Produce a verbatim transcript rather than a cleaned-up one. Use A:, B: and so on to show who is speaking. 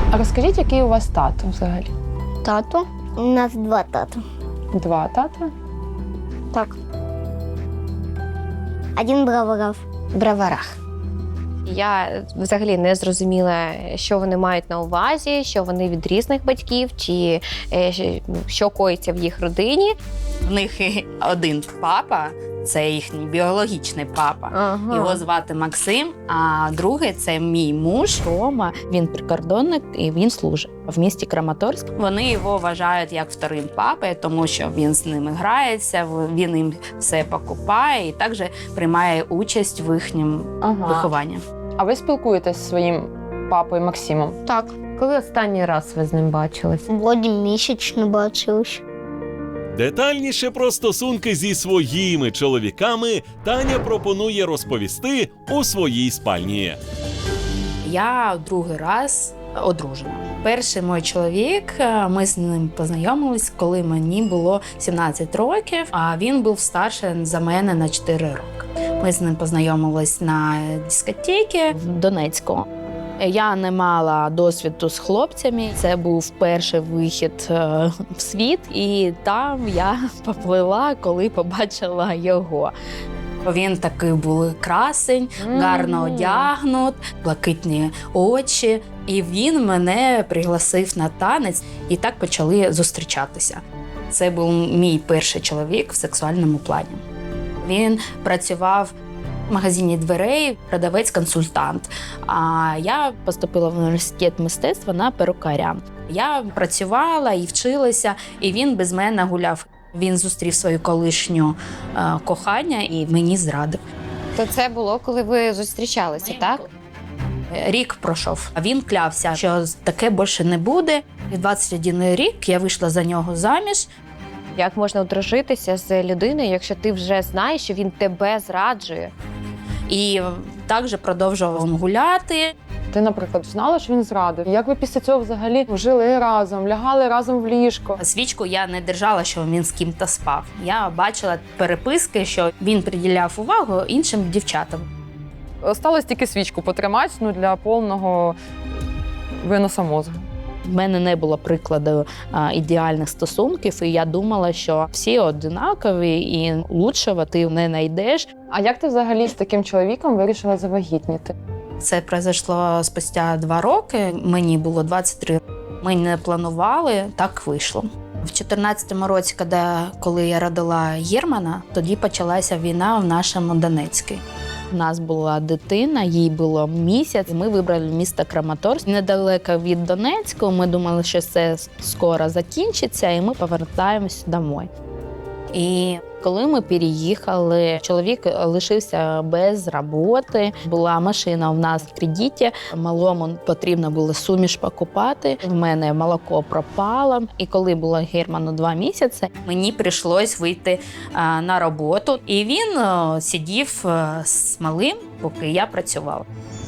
A: А розкажіть, який у вас тато взагалі?
B: Тато? У нас два тата.
A: Два тата?
B: Так. Один браваров. Браварах.
C: Я взагалі не зрозуміла, що вони мають на увазі, що вони від різних батьків, чи е, що коїться в їх родині.
D: В них один папа, це їхній біологічний папа.
C: Ага.
D: Його звати Максим, а другий – це мій муж Рома.
E: Він прикордонник і він служить в місті Краматорськ.
D: Вони його вважають як вторим папою, тому що він з ними грається, він їм все покупає і також приймає участь в їхньому
A: Ага.
D: вихованні.
A: А ви спілкуєтесь зі своїм папою Максимом?
B: Так.
C: Коли останній раз ви з ним бачились?
B: Вроді місячно бачились.
F: Детальніше про стосунки зі своїми чоловіками Таня пропонує розповісти у своїй спальні.
D: Я другий раз одружена. Перший мій чоловік, ми з ним познайомились, коли мені було сімнадцять років, а він був старший за мене на чотири роки. Ми з ним познайомились на дискотеці
E: В Донецьку. Я не мала досвіду з хлопцями. Це був перший вихід е, в світ, і там я поплила, коли побачила його.
D: Він такий був красень, гарно одягнут, блакитні очі. І він мене пригласив на танець, і так почали зустрічатися. Це був мій перший чоловік в сексуальному плані. Він працював в магазині дверей, продавець-консультант. А я
E: Поступила в університет мистецтва на перукаря.
D: Я працювала і вчилася, і він без мене гуляв. Він зустрів свою колишню е, кохання і мені зрадив.
C: То це було, коли ви зустрічалися, так?
D: Рік пройшов, а він клявся, що таке більше не буде. І двадцять один рік я вийшла за нього заміж.
C: Як можна одружитися з людиною, якщо ти вже знаєш, що він тебе зраджує?
D: І також продовжував гуляти.
A: Ти, наприклад, знала, що він зрадив. Як ви після цього взагалі жили разом, лягали разом в ліжко?
D: Свічку я не держала, що він з ким-то спав. Я бачила переписки, що він приділяв увагу іншим дівчатам.
A: Осталось тільки свічку потримати, ну, для повного виноса мозку.
E: В мене не було прикладу а, ідеальних стосунків, і я думала, що всі одинакові і лучшого ти не знайдеш.
A: А як ти взагалі з таким чоловіком вирішила завагітніти?
D: Це пройшло спустя два роки, мені було двадцять три. Ми не планували, так вийшло. В чотирнадцятому році, коли я родила Германа, тоді почалася війна в нашому Донецьку.
E: У нас була дитина, їй було місяць. Ми вибрали місто Краматорськ, недалеко від Донецьку. Ми думали, що це скоро закінчиться, і ми повертаємось домой. І коли ми переїхали, чоловік лишився без роботи. Була машина у нас в кредиті, малому потрібно було суміш покупати. В мене молоко пропало. І коли було Герману два місяці,
D: Мені прийшлось вийти а, на роботу, і він а, сидів а, з малим, поки я працювала.